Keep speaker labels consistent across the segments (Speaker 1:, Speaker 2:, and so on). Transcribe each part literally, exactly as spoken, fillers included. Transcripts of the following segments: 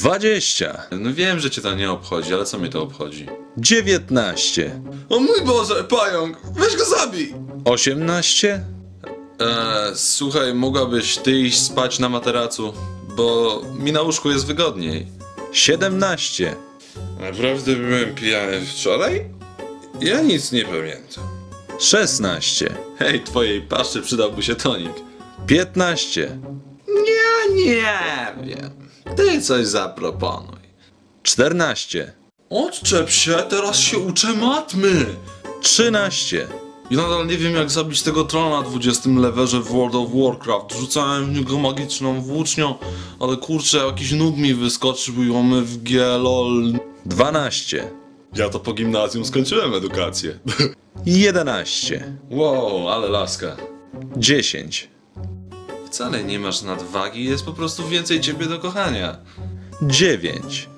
Speaker 1: dwadzieścia.
Speaker 2: No wiem, że cię to nie obchodzi, ale co mnie to obchodzi?
Speaker 1: dziewiętnaście.
Speaker 2: O mój Boże, pająk! Weź go zabij!
Speaker 1: osiemnaście.
Speaker 2: Eee, słuchaj, mogłabyś ty iść spać na materacu, bo mi na łóżku jest wygodniej.
Speaker 1: siedemnaście.
Speaker 2: Naprawdę byłem pijany wczoraj? Ja nic nie pamiętam.
Speaker 1: szesnaście.
Speaker 2: Hej, twojej paszczy przydałby się tonik.
Speaker 1: piętnaście.
Speaker 2: Ja nie wiem. Ty coś zaproponuj.
Speaker 1: czternaście.
Speaker 2: Odczep się, teraz się uczę matmy.
Speaker 1: trzynaście.
Speaker 2: I nadal nie wiem, jak zabić tego trolla na dwudziestym levelze w World of Warcraft. Rzucałem w niego magiczną włócznią, ale kurczę, jakiś noob mi wyskoczył i mamy w G, lol.
Speaker 1: dwanaście.
Speaker 2: Ja to po gimnazjum skończyłem edukację.
Speaker 1: jedenaście.
Speaker 2: Wow, ale laska.
Speaker 1: dziesięć.
Speaker 2: Wcale nie masz nadwagi, jest po prostu więcej ciebie do kochania.
Speaker 1: dziewięć.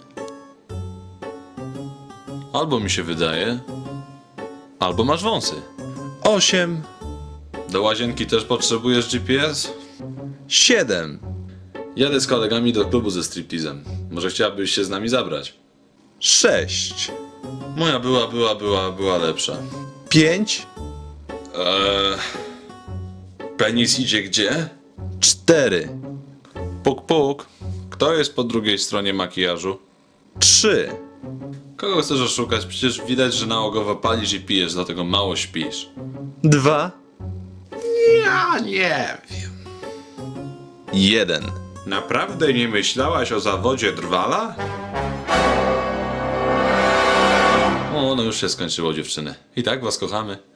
Speaker 2: Albo mi się wydaje, albo masz wąsy.
Speaker 1: osiem.
Speaker 2: Do łazienki też potrzebujesz G P S?
Speaker 1: siedem.
Speaker 2: Jadę z kolegami do klubu ze striptizem. Może chciałabyś się z nami zabrać?
Speaker 1: sześć.
Speaker 2: Moja była, była, była, była lepsza.
Speaker 1: pięć.
Speaker 2: Eee, penis idzie gdzie?
Speaker 1: cztery.
Speaker 2: Puk, puk. Kto jest po drugiej stronie makijażu?
Speaker 1: trzy.
Speaker 2: Kogo chcesz oszukać? Przecież widać, że nałogowo palisz i pijesz, dlatego mało śpisz.
Speaker 1: dwa.
Speaker 2: Ja nie wiem.
Speaker 1: jeden.
Speaker 2: Naprawdę nie myślałaś o zawodzie drwala? O, no już się skończyło, dziewczyny. I tak was kochamy.